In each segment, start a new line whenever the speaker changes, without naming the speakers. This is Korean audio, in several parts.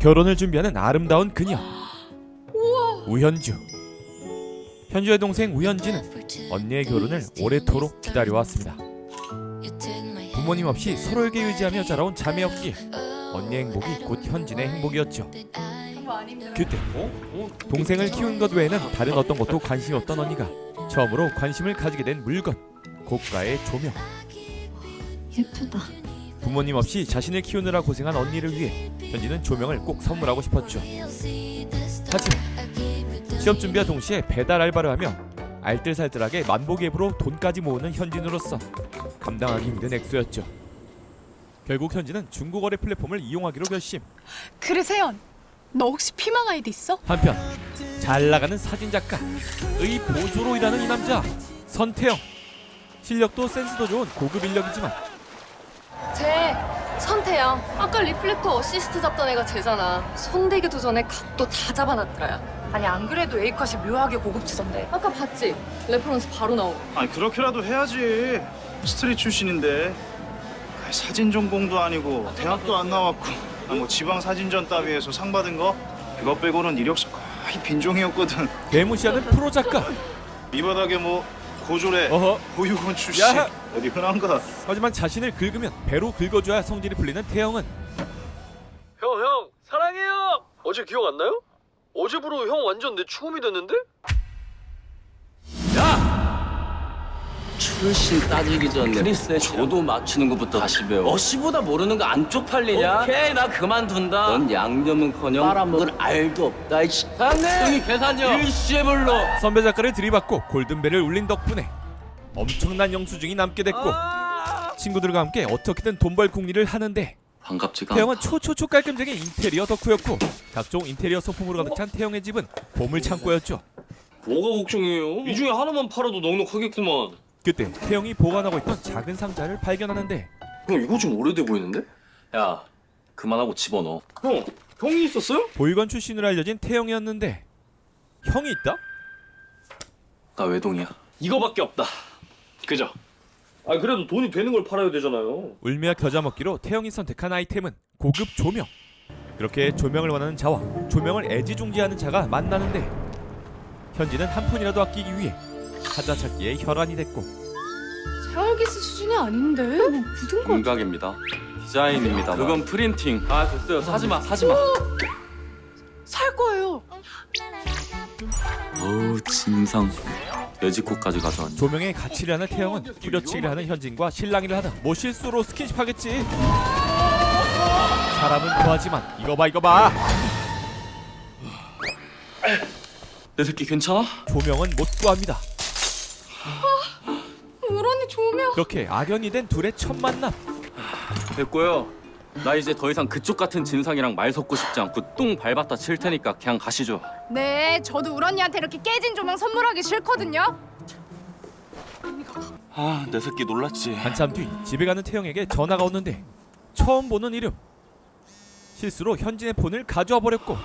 결혼을 준비하는 아름다운 그녀 우현주. 현주의 동생 우현지는 언니의 결혼을 오래도록 기다려왔습니다. 부모님 없이 서로에게 의지하며 자라온 자매였기에 언니의 행복이 곧 현진의 행복이었죠. 그때 동생을 키운 것 외에는 다른 어떤 것도 관심이 없던 언니가 처음으로 관심을 가지게 된 물건, 고가의 조명.
예쁘다.
부모님 없이 자신을 키우느라 고생한 언니를 위해 현진은 조명을 꼭 선물하고 싶었죠. 하지만 시험 준비와 동시에 배달 알바를 하며 알뜰살뜰하게 만복 앱으로 돈까지 모으는 현진으로서 감당하기 힘든 액수였죠. 결국 현진은 중고거래 플랫폼을 이용하기로 결심.
그래 세연, 너 혹시 피망 아이디 있어?
한편 잘 나가는 사진작가의 보조로 일하는 이 남자 선태영. 실력도 센스도 좋은 고급 인력이지만
쟤 선태영. 아까 리플렉터 어시스트 잡던 애가 쟤잖아. 손대기도 전에 각도 다 잡아놨더라.
아니 안 그래도 A컷이 묘하게 고급지던데.
아까 봤지? 레퍼런스 바로 나오고.
아니 그렇게라도 해야지. 스트릿 출신인데 사진 전공도 아니고 대학도 안 나왔고 뭐 지방 사진전 따위에서 상 받은 거 그거 빼고는 이력서 거의 빈종이었거든.
대무시하는 프로 작가.
이 바닥에 뭐 고졸에
어허.
보육원 출신
야!
어디 흔한가.
하지만 자신을 긁으면 배로 긁어줘야 성질이 풀리는 태영은
형 사랑해요. 어제 기억 안 나요? 어제부로 형 완전 내 추움이 됐는데?
출신 따지기 전에 크리스의 조도 맞추는 것부터 다시 배워. 어시보다 모르는 거 안 쪽팔리냐? 오케이, 나 그만둔다. 넌 양념은커녕 빨아먹을 알도 없다. 이 식당에 형이 계산요. 일시에 불러.
선배 작가를 들이받고 골든벨을 울린 덕분에 엄청난 영수증이 남게 됐고 친구들과 함께 어떻게든 돈 벌 궁리를 하는데
반갑지가
태영은 초초초 깔끔쟁이 인테리어 덕후였고 각종 인테리어 소품으로 가득 찬 태영의 집은 보물 창고였죠.
뭐가 걱정이에요? 이 중에 하나만 팔아도 넉넉하겠구만.
그때 태영이 보관하고 있던 작은 상자를 발견하는데
형 이거 좀 오래돼 보이는데?
야, 그만하고 집어넣어.
형이 있었어요?
보육원 출신으로 알려진 태영이었는데 형이 있다?
나 외동이야.
이거밖에 없다. 그죠? 아 그래도 돈이 되는 걸 팔아야 되잖아요.
울며 겨자 먹기로 태영이 선택한 아이템은 고급 조명. 그렇게 조명을 원하는 자와 조명을 애지중지하는 자가 만나는데 현진은 한 푼이라도 아끼기 위해 사자 찾기에 혈안이 됐고
세월기스 수준이 아닌데? 뭐 묻은 거.
윤곽입니다. 디자인입니다. 그건 프린팅. 아, 됐어요. 사지마.
살 거예요.
어우, 진상. 돼지코까지 가져왔네.
조명의 가치를 아는 태영은 뿌려치기를 하는 현진과 실랑이를 하다 뭐 실수로 스킨십하겠지. 사람은 좋아하지만 이거 봐
내 새끼 괜찮아?
조명은 못 구합니다.
우런이 조명.
그렇게 악연이 된 둘의 첫 만남.
됐고요. 나 이제 더 이상 그쪽 같은 진상이랑 말 섞고 싶지 않고 똥 밟았다 칠 테니까 그냥 가시죠.
네, 저도 우런이한테 이렇게 깨진 조명 선물하기 싫거든요.
아, 내 새끼 놀랐지.
한참 뒤 집에 가는 태영에게 전화가 오는데 처음 보는 이름. 실수로 현진의 폰을 가져와 버렸고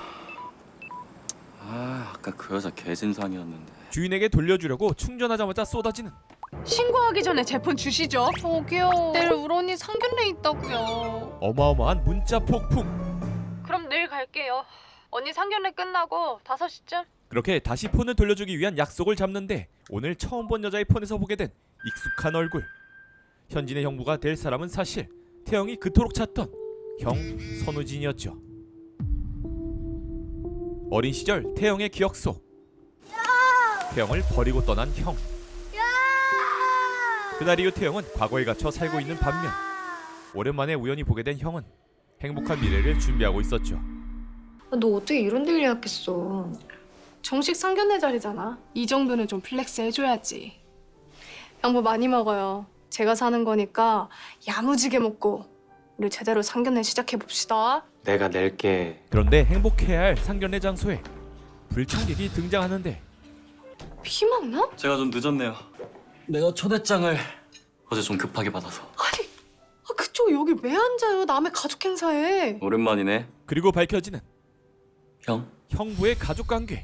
아, 아까 그 여자 개진상이었는데.
주인에게 돌려주려고 충전하자마자 쏟아지는
신고하기 전에 제 폰 주시죠. 저기요. 내일 우런이 상견례 있다고요.
어마어마한 문자 폭풍.
그럼 내일 갈게요. 언니 상견례 끝나고 5시쯤.
그렇게 다시 폰을 돌려주기 위한 약속을 잡는데 오늘 처음 본 여자의 폰에서 보게 된 익숙한 얼굴. 현진의 형부가 될 사람은 사실 태영이 그토록 찾던 형 선우진이었죠. 어린 시절 태영의 기억 속 태영을 버리고 떠난 형. 그날 이후 태영은 과거에 갇혀 살고 있는 반면 오랜만에 우연히 보게 된 형은 행복한 미래를 준비하고 있었죠.
너 어떻게 이런 데 예약했어?
정식 상견례 자리잖아. 이 정도는 좀 플렉스 해줘야지. 양보 많이 먹어요. 제가 사는 거니까 야무지게 먹고 우리 제대로 상견례 시작해봅시다.
내가 낼게.
그런데 행복해야 할 상견례 장소에 불청객이 등장하는데
피망나?
제가 좀 늦었네요. 내가 초대장을 어제 좀 급하게 받아서.
아니, 그쪽 여기 왜 앉아요? 남의 가족 행사에.
오랜만이네.
그리고 밝혀지는
형,
형부의 가족관계.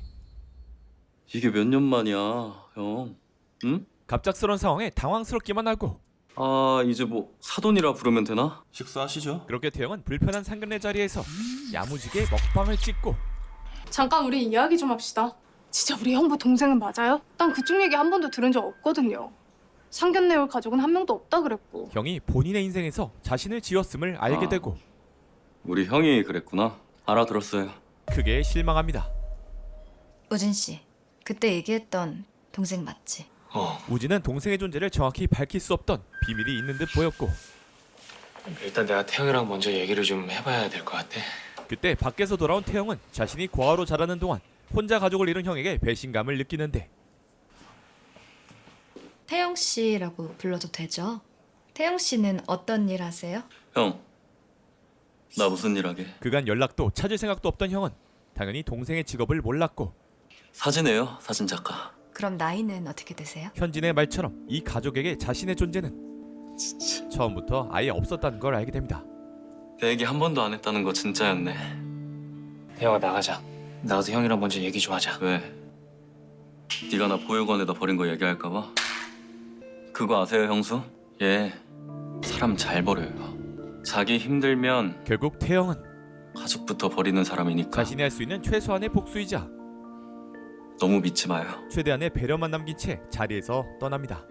이게 몇 년 만이야, 형. 응?
갑작스런 상황에 당황스럽기만 하고
아, 이제 뭐 사돈이라 부르면 되나?
식사하시죠.
그렇게 태영은 불편한 상견례 자리에서 야무지게 먹방을 찍고
잠깐 우리 이야기 좀 합시다. 진짜 우리 형부 동생은 맞아요? 난 그쪽 얘기 한 번도 들은 적 없거든요. 상견례 올 가족은 한 명도 없다 그랬고.
형이 본인의 인생에서 자신을 지웠음을 알게
아.
되고
우리 형이 그랬구나. 알아들었어요.
크게 실망합니다.
우진 씨, 그때 얘기했던 동생 맞지?
우진은 동생의 존재를 정확히 밝힐 수 없던 비밀이 있는 듯 보였고
일단 내가 태영이랑 먼저 얘기를 좀 해봐야 될 것 같아.
그때 밖에서 돌아온 태영은 자신이 고아로 자라는 동안 혼자 가족을 잃은 형에게 배신감을 느끼는데
태영 씨라고 불러도 되죠? 태영 씨는 어떤 일 하세요?
형, 나 무슨 일 하게?
그간 연락도 찾을 생각도 없던 형은 당연히 동생의 직업을 몰랐고
사진이에요, 사진 작가.
그럼 나이는 어떻게 되세요?
현진의 말처럼 이 가족에게 자신의 존재는 처음부터 아예 없었다는 걸 알게 됩니다.
내 얘기 한 번도 안 했다는 거 진짜였네.
태영아 나가자. 나가서 형이랑 먼저 얘기 좀 하자.
왜? 네가 나 보육원에다 버린 거 얘기할까 봐? 그거 아세요, 형수? 얘 사람 잘 버려요. 자기 힘들면
결국 태영은
가족부터 버리는 사람이니까
자신이 할 수 있는 최소한의 복수이자
너무 믿지 마요.
최대한의 배려만 남긴 채 자리에서 떠납니다.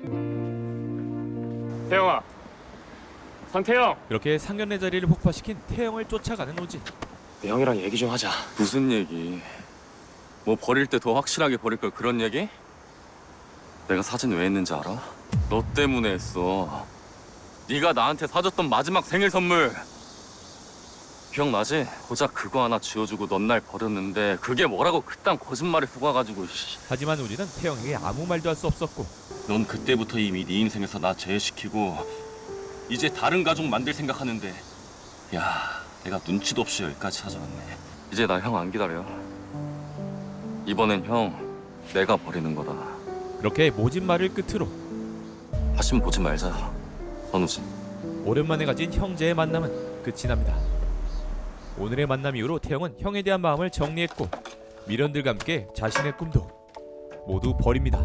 태영아, 상태영.
그렇게 상견례 자리를 폭파시킨 태영을 쫓아가는 우진.
형이랑 얘기 좀 하자.
무슨 얘기? 뭐 버릴 때 더 확실하게 버릴 걸 그런 얘기? 내가 사진 왜 했는지 알아? 너 때문에 했어. 네가 나한테 사줬던 마지막 생일 선물. 기억나지? 고작 그거 하나 지어주고 넌 날 버렸는데 그게 뭐라고 그딴 거짓말을 속아가지고.
하지만 우진은 태영에게 아무 말도 할 수 없었고
넌 그때부터 이미 네 인생에서 나 제외시키고 이제 다른 가족 만들 생각하는데 야, 내가 눈치도 없이 여기까지 찾아왔네.
이제 나 형 안 기다려. 이번엔 형 내가 버리는 거다.
그렇게 모진 말을 끝으로
다신 보지 말자, 선우진.
오랜만에 가진 형제의 만남은 끝이 납니다. 오늘의 만남 이후로 태영은 형에 대한 마음을 정리했고 미련들과 함께 자신의 꿈도 모두 버립니다.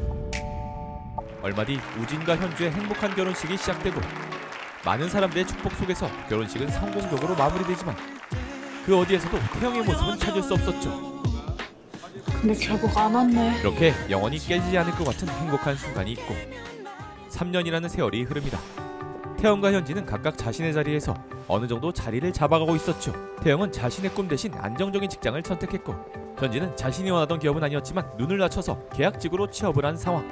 얼마 뒤 우진과 현주의 행복한 결혼식이 시작되고 많은 사람들의 축복 속에서 결혼식은 성공적으로 마무리되지만 그 어디에서도 태영의 모습은 찾을 수 없었죠.
근데 결국 안 왔네.
이렇게 영원히 깨지지 않을 것 같은 행복한 순간이 있고 3년이라는 세월이 흐릅니다. 태영과 현진은 각각 자신의 자리에서 어느 정도 자리를 잡아가고 있었죠. 태영은 자신의 꿈 대신 안정적인 직장을 선택했고 현진은 자신이 원하던 기업은 아니었지만 눈을 낮춰서 계약직으로 취업을 한 상황.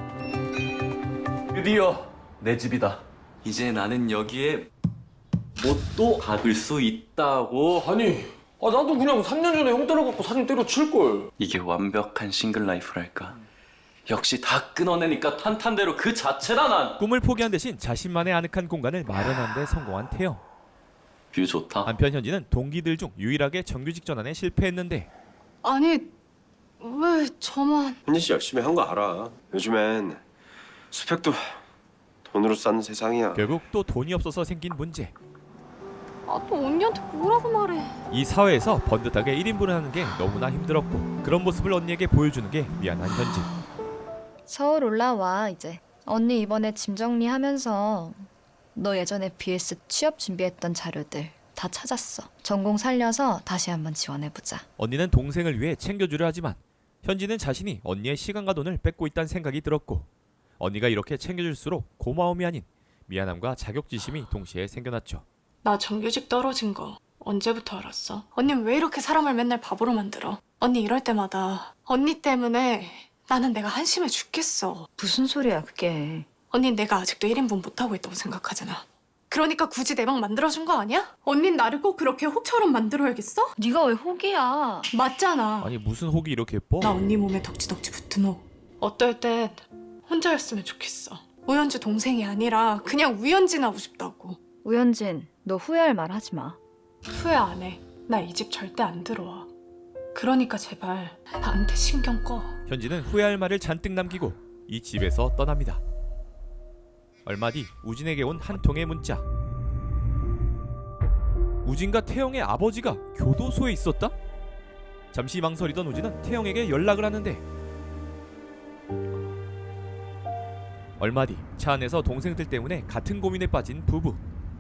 드디어 내 집이다. 이제 나는 여기에 못도 박을 수 있다고.
아니, 나도 그냥 3년 전에 형 따라갖고 사진 때려칠 걸.
이게 완벽한 싱글 라이프랄까. 역시 다 끊어내니까 탄탄대로 그 자체다 난.
꿈을 포기한 대신 자신만의 아늑한 공간을 마련하는 데 성공한 태영.
뷰 좋다.
한편 현진은 동기들 중 유일하게 정규직 전환에 실패했는데
아니 왜 저만.
현진 씨 열심히 한 거 알아. 요즘엔 스펙도 돈으로 쌓는 세상이야.
결국 또 돈이 없어서 생긴 문제.
또 언니한테 뭐라고 말해.
이 사회에서 번듯하게 1인분을 하는 게 너무나 힘들었고 그런 모습을 언니에게 보여주는 게 미안한 현진.
서울 올라와 이제. 언니 이번에 짐 정리하면서 너 예전에 BS 취업 준비했던 자료들 다 찾았어. 전공 살려서 다시 한번 지원해보자.
언니는 동생을 위해 챙겨주려 하지만 현진은 자신이 언니의 시간과 돈을 뺏고 있다는 생각이 들었고 언니가 이렇게 챙겨줄수록 고마움이 아닌 미안함과 자격지심이 동시에 생겨났죠.
나 정규직 떨어진 거 언제부터 알았어? 언니는 왜 이렇게 사람을 맨날 바보로 만들어? 언니 이럴 때마다 언니 때문에 나는 내가 한심해 죽겠어.
무슨 소리야 그게.
언닌 내가 아직도 1인분 못하고 있다고 생각하잖아. 그러니까 굳이 내 방 만들어준 거 아니야? 언닌 나를 꼭 그렇게 혹처럼 만들어야겠어?
네가 왜 혹이야.
맞잖아.
아니 무슨 혹이 이렇게 예뻐?
나 언니 몸에 덕지덕지 붙은 혹. 어떨 땐 혼자였으면 좋겠어. 우현주 동생이 아니라 그냥 우현진 하고 싶다고.
우현진, 너 후회할 말 하지 마.
후회 안 해. 나 이 집 절대 안 들어와. 그러니까 제발 나한테 신경 꺼.
현진은 후회할 말을 잔뜩 남기고 이 집에서 떠납니다. 얼마 뒤 우진에게 온 한 통의 문자. 우진과 태영의 아버지가 교도소에 있었다? 잠시 망설이던 우진은 태영에게 연락을 하는데 얼마 뒤 차 안에서 동생들 때문에 같은 고민에 빠진 부부.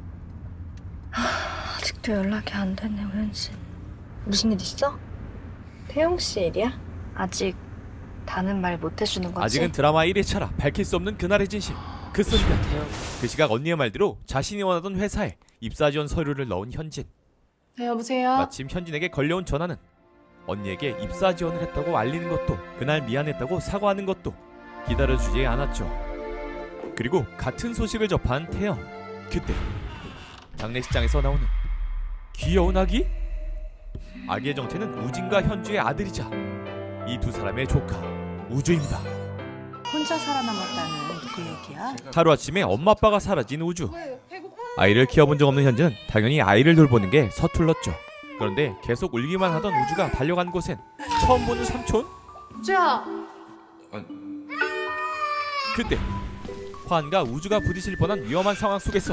아직도 연락이 안 됐네, 우현진. 무슨 일 있어? 태영 씨 일이야?
아직 다는 말 못 해주는 거지?
아직은 드라마 1회차라 밝힐 수 없는 그날의 진실. 그 순간 그 시각 언니의 말대로 자신이 원하던 회사에 입사 지원 서류를 넣은 현진.
네, 여보세요?
마침 현진에게 걸려온 전화는 언니에게 입사 지원을 했다고 알리는 것도, 그날 미안했다고 사과하는 것도 기다려주지 않았죠. 그리고 같은 소식을 접한 태영. 그때 장례식장에서 나오는 귀여운 아기? 아기의 정체는 우진과 현주의 아들이자 이 두 사람의 조카 우주입니다.
혼자 살아남았다는 그 얘기야?
하루아침에 엄마 아빠가 사라진 우주. 아이를 키워본 적 없는 현주는 당연히 아이를 돌보는 게 서툴렀죠. 그런데 계속 울기만 하던 우주가 달려간 곳엔 처음 보는 삼촌?
우주야.
그때 화한과 우주가 부딪힐 뻔한 위험한 상황 속에서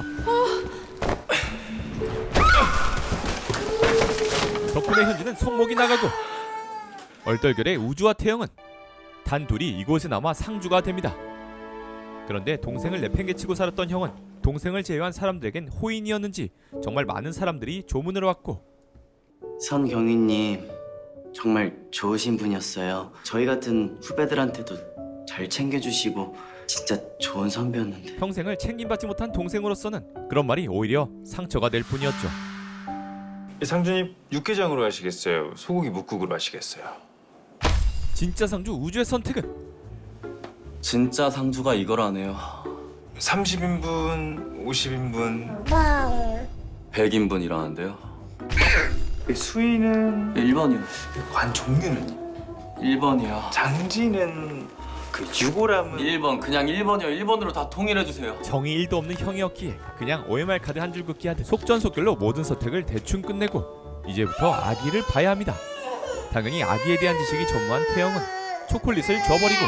덕분에 현주는 손목이 나가고 얼떨결에 우주와 태영은 단둘이 이곳에 남아 상주가 됩니다. 그런데 동생을 내팽개치고 살았던 형은 동생을 제외한 사람들에겐 호인이었는지 정말 많은 사람들이 조문을 왔고,
선경희님 정말 좋으신 분이었어요. 저희 같은 후배들한테도 잘 챙겨주시고 진짜 좋은 선배였는데.
평생을 챙김받지 못한 동생으로서는 그런 말이 오히려 상처가 될 뿐이었죠.
상주님 육개장으로 하시겠어요? 소고기 묵국으로 하시겠어요?
진짜 상주 우주의 선택은
진짜 상주가 이거라네요.
30인분, 50인분.
100인분이라는데요.
수위는
1번이요.
관 종류는
1번이요.
장지는 그 유골함은
1번 그냥 1번이요. 1번으로 다 통일해주세요.
정이 1도 없는 형이었기에 그냥 OMR 카드 한 줄 긋기 하듯 속전속결로 모든 선택을 대충 끝내고 이제부터 아기를 봐야 합니다. 당연히 아기에 대한 지식이 전무한 태영은 초콜릿을 줘버리고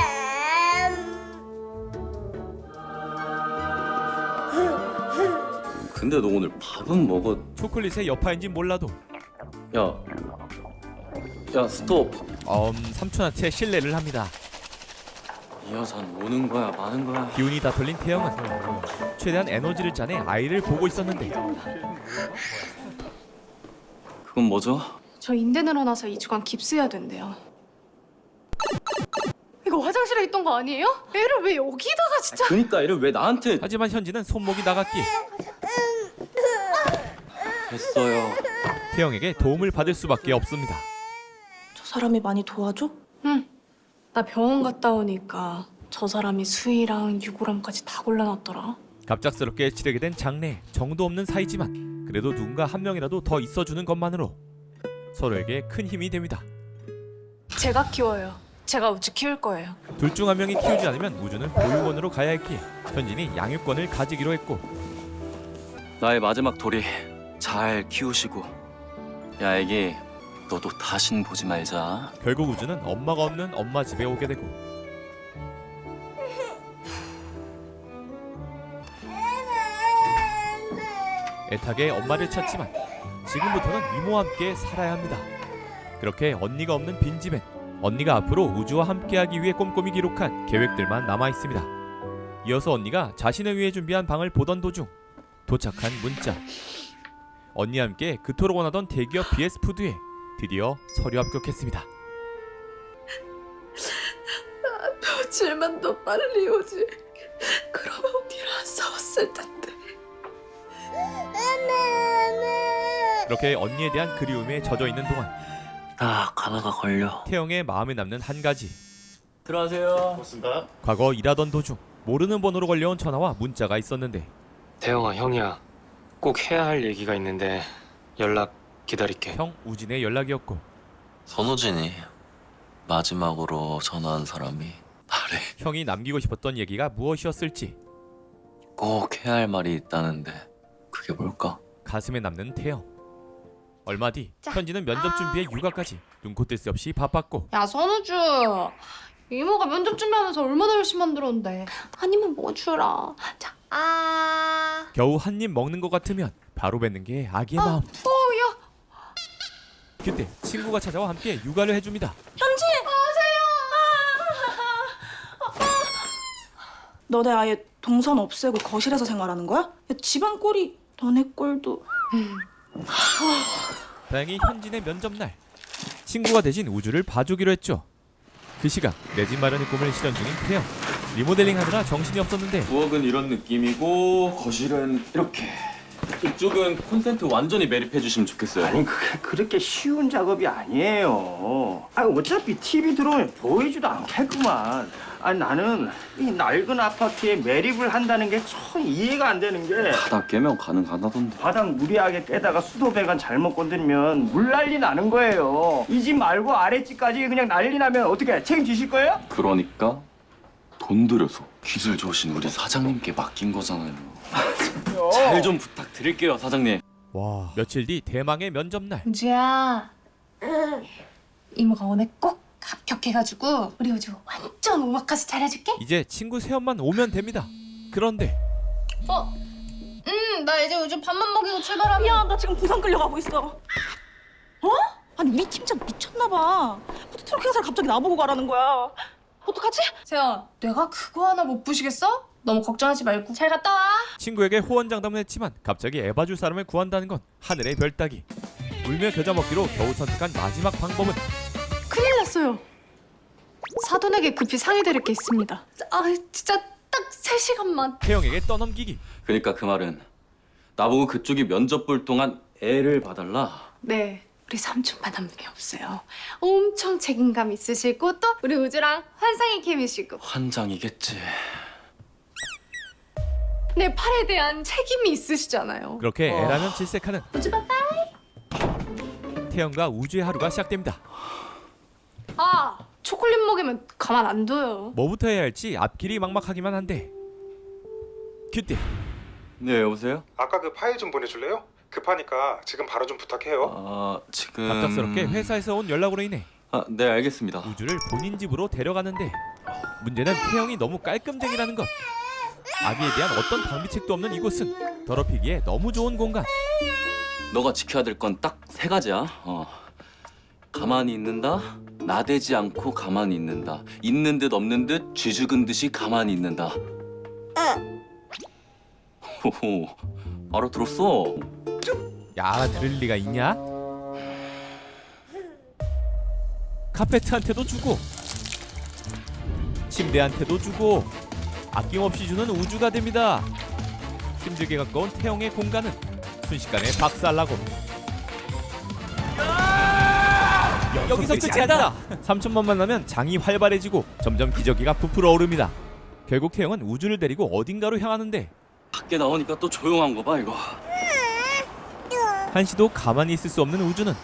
근데 너 오늘 밥은 먹었...
초콜릿의 여파인지 몰라도
야 스톱.
삼촌한테 신뢰를 합니다.
이 여자는 오는 거야 마는 거야.
기운이 다 털린 태영은 최대한 에너지를 짜내 아이를 보고 있었는데
그건 뭐죠?
저 인대 늘어나서 2주간 깁스해야 된대요. 이거 화장실에 있던 거 아니에요? 애를 왜 여기다가 진짜.
그니까 얘를 왜 나한테...
하지만 현지는 손목이 나갔기에
됐어요.
태영에게 도움을 받을 수밖에 없습니다.
저 사람이 많이 도와줘? 응. 나 병원 갔다 오니까 저 사람이 수희랑 유골함까지 다 골라놨더라.
갑작스럽게 치르게 된 장례. 정도 없는 사이지만 그래도 누군가 한 명이라도 더 있어주는 것만으로 서로에게 큰 힘이 됩니다.
제가 키워요. 제가 우주 키울 거예요.
둘 중 한 명이 키우지 않으면 우주는 보육원으로 가야 했기에 현진이 양육권을 가지기로 했고,
나의 마지막 돌이 잘 키우시고. 야 애기 너도 다신 보지 말자.
결국 우주는 엄마가 없는 엄마 집에 오게 되고 애타게 엄마를 찾지만 지금부터는 이모와 함께 살아야 합니다. 그렇게 언니가 없는 빈집엔 언니가 앞으로 우주와 함께하기 위해 꼼꼼히 기록한 계획들만 남아있습니다. 이어서 언니가 자신을 위해 준비한 방을 보던 도중 도착한 문자. 언니와 함께 그토록 원하던 대기업 BS푸드에 드디어 서류 합격했습니다.
며칠만 더 빨리 오지. 그러면 언니랑 안 싸웠을 텐데.
그렇게 언니에 대한 그리움에 젖어있는 동안
나 가다가 걸려.
태영의 마음에 남는 한 가지.
들어가세요.
고맙습니다.
과거 일하던 도중 모르는 번호로 걸려온 전화와 문자가 있었는데
태영아 형이야. 꼭 해야 할 얘기가 있는데 연락 기다릴게.
형 우진의 연락이었고,
선우진이 마지막으로 전화한 사람이 나래.
형이 남기고 싶었던 얘기가 무엇이었을지
꼭 해야 할 말이 있다는데 그게 뭘까?
가슴에 남는 태영. 얼마 뒤 현지는 면접 준비에 육아까지 눈코 뜰 새 없이 바빴고,
야 선우주. 이모가 면접 준비하면서 얼마나 열심히 만들었는데. 아니면 뭐 주라. 자.
겨우 한 입 먹는 것 같으면 바로 뱉는 게 아기의 마음.
야.
그때 친구가 찾아와 함께 육아를 해줍니다.
현지.
너네 아예 동선 없애고 거실에서 생활하는 거야? 야, 집안 꼴이 너네 꼴도.
다행히 현진의 면접날 친구가 대신 우주를 봐주기로 했죠. 그 시각 내 집 마련의 꿈을 실현 중인 태영. 리모델링 하느라 정신이 없었는데
부엌은 이런 느낌이고 거실은 이렇게. 이쪽은 콘센트 완전히 매립해 주시면 좋겠어요.
아니 그게 그렇게 쉬운 작업이 아니에요. 아니 어차피 TV 들어오면 보이지도 않겠구만. 아니 나는 이 낡은 아파트에 매립을 한다는 게 참 이해가 안 되는 게
바닥 깨면 가능하다던데.
바닥 무리하게 깨다가 수도 배관 잘못 건드리면 물 난리 나는 거예요. 이 집 말고 아랫집까지 그냥 난리 나면 어떻게 책임지실 거예요?
그러니까 돈 들여서 기술 좋으신 우리 사장님께 맡긴 거잖아요. 잘 좀 부탁드릴게요, 사장님.
와, 며칠 뒤 대망의 면접날.
우주야. 이모가 오늘 꼭 합격해가지고 우리 우주 완전 오마카세 잘해줄게.
이제 친구 새엄만 오면 됩니다. 그런데
나 이제 우주 밥만 먹이고 출발하면.
야, 나 지금 부산 끌려가고 있어. 어? 아니 우리 팀장 미쳤나 봐. 푸드트럭 회사를 갑자기 나보고 가라는 거야. 어떡하지?
세연, 내가 그거 하나 못 부시겠어? 너무 걱정하지 말고 잘 갔다 와.
친구에게 호언장담을 했지만 갑자기 에바줄 사람을 구한다는 건 하늘의 별 따기. 울며 겨자 먹기로 겨우 선택한 마지막 방법은
큰일 났어요. 사돈에게 급히 상의드릴 게 있습니다. 아, 진짜 딱 3시간만.
태영에게 떠넘기기.
그러니까 그 말은 나보고 그쪽이 면접 볼 동안 애를 봐달라.
네, 우리 삼촌만 한 분이 없어요. 엄청 책임감 있으시고 또 우리 우주랑 환상의 케미시고
환장이겠지.
내 팔에 대한 책임이 있으시잖아요.
그렇게 애라면 질색하는
우주 바이바이.
태영과 우주의 하루가 시작됩니다.
아, 초콜릿 먹이면 가만 안 둬요.
뭐부터 해야 할지 앞길이 막막하기만 한데 그때
네, 여보세요?
아까 그 파일 좀 보내줄래요? 급하니까 지금 바로 좀 부탁해요.
지금
갑작스럽게 회사에서 온 연락으로 인해
네, 알겠습니다.
우주를 본인 집으로 데려가는데 문제는 태영이 너무 깔끔쟁이라는 것. 아기에 대한 어떤 방비책도 없는 이곳은 더럽히기에 너무 좋은 공간.
너가 지켜야 될 건 딱 3가지야. 가만히 있는다. 나대지 않고 가만히 있는다. 있는 듯 없는 듯 쥐죽은 듯이 가만히 있는다. 호호, 알아들었어.
야, 들을 리가 있냐? 카페트한테도 주고 침대한테도 주고 아낌없이 주는 우주가 됩니다. 힘들게 가까운 태영의 공간은 순식간에 박살나고 여기서 끝이 아니다. 삼촌만 만나면 장이 활발해지고 점점 기저귀가 부풀어 오릅니다. 결국 태영은 우주를 데리고 어딘가로 향하는데
밖에 나오니까 또 조용한 거 봐, 이거.
한시도 가만히 있을 수 없는 우주는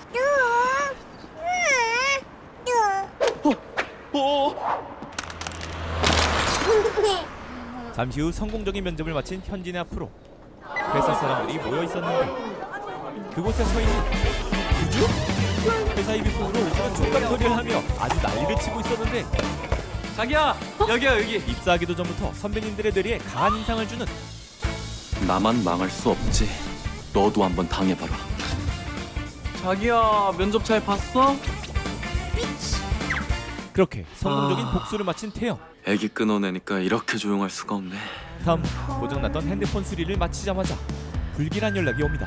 잠시 후 성공적인 면접을 마친 현진의 앞으로 회사 사람들이 모여 있었는데 그곳에 서 있는 우주? 회사 입입구로 우주는 족발거리를 하며 아주 난리를 치고 있었는데
자기야, 여기야, 여기.
입사하기도 전부터 선배님들의 뇌리에 강한 인상을 주는
나만 망할 수 없지. 너도 한번 당해봐라. 자기야, 면접 잘 봤어?
그렇게 성공적인 복수를 마친 태영.
애기 끊어내니까 이렇게 조용할 수가 없네.
다음 고장났던 핸드폰 수리를 마치자마자 불길한 연락이 옵니다.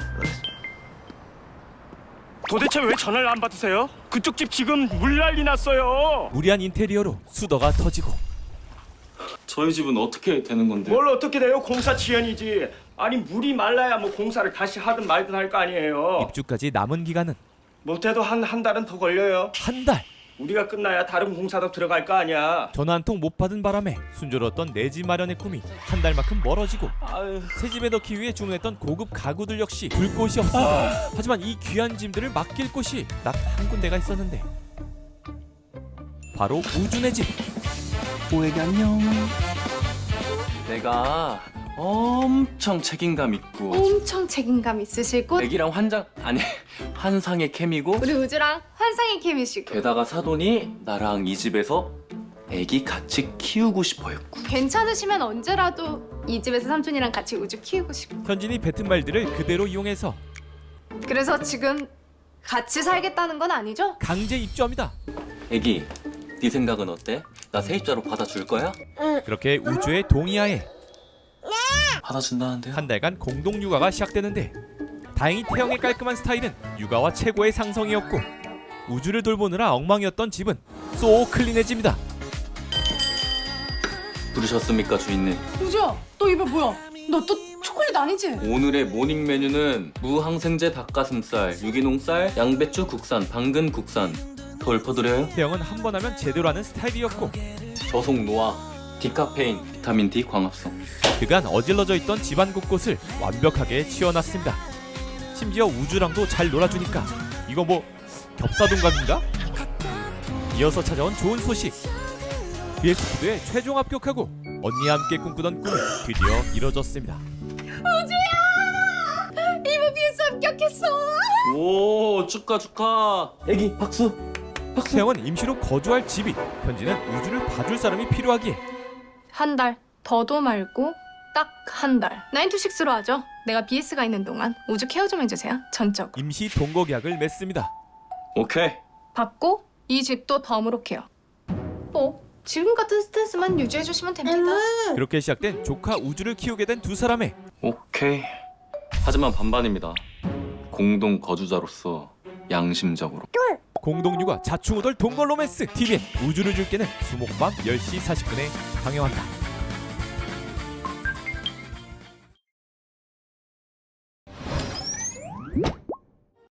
도대체 왜 전화를 안 받으세요? 그쪽 집 지금 물 난리 났어요.
무리한 인테리어로 수더가 터지고
저희 집은 어떻게 되는 건데?
뭘 어떻게 돼요? 공사 지연이지. 아니 물이 말라야 뭐 공사를 다시 하든 말든 할 거 아니에요.
입주까지 남은 기간은
못해도 한 달은 더 걸려요.
한 달.
우리가 끝나야 다른 공사도 들어갈 거 아니야.
전화 한 통 못 받은 바람에 순조로웠던 내 집 마련의 꿈이 한 달만큼 멀어지고 새 집에 넣기 위해 주문했던 고급 가구들 역시 둘 곳이 없습니다. 하지만 이 귀한 짐들을 맡길 곳이 딱 한 군데가 있었는데 바로 우준의 집.
오해기 안녕.
내가 엄청 책임감 있고
엄청 책임감 있으시고
애기랑 환상의 케미고
우리 우주랑 환상의 케미시고
게다가 사돈이 나랑 이 집에서 애기 같이 키우고 싶어 했고.
괜찮으시면 언제라도 이 집에서 삼촌이랑 같이 우주 키우고 싶고.
현진이 뱉은 말들을 그대로 이용해서
그래서 지금 같이 살겠다는 건 아니죠?
강제 입주합니다.
애기, 네 생각은 어때? 나 세입자로 받아줄 거야?
그렇게 우주의 동의하에
받아준다는데.
한 달간 공동 육아가 시작되는데 다행히 태영의 깔끔한 스타일은 육아와 최고의 상성이었고 우주를 돌보느라 엉망이었던 집은 쏙 클린해집니다.
부르셨습니까 주인님?
우주야, 너 입에 뭐야? 너 또 초콜릿 아니지?
오늘의 모닝 메뉴는 무항생제 닭가슴살, 유기농쌀, 양배추 국산, 당근 국산. 더 읊어드려요?
태영은 한 번 하면 제대로 하는 스타일이었고
저속 노화, 디카페인, 비타민 D 광합성.
그간 어질러져 있던 집안 곳곳을 완벽하게 치워놨습니다. 심지어 우주랑도 잘 놀아주니까 이거 뭐 겹사동갑인가? 이어서 찾아온 좋은 소식. BS푸드에 최종 합격하고 언니와 함께 꿈꾸던 꿈이 드디어 이뤄졌습니다.
우주야! 이모 BS 합격했어!
오 축하. 애기 박수.
태영은 임시로 거주할 집이, 현지는 우주를 봐줄 사람이 필요하기에
한 달, 더도 말고 딱 한 달. 9to6로 하죠. 내가 BS가 있는 동안 우주 케어 좀 해주세요. 전적.
임시 동거 계약을 맺습니다.
오케이.
받고 이 집도 덤으로 케어. 지금 같은 스탠스만 유지해주시면 됩니다.
그렇게 시작된 조카 우주를 키우게 된 두 사람의
오케이. 하지만 반반입니다. 공동 거주자로서 양심적으로.
공동 육아 자충우돌 동거 로맨스 TVN 우주를 줄게는 수목밤 10시 40분에 방영한다.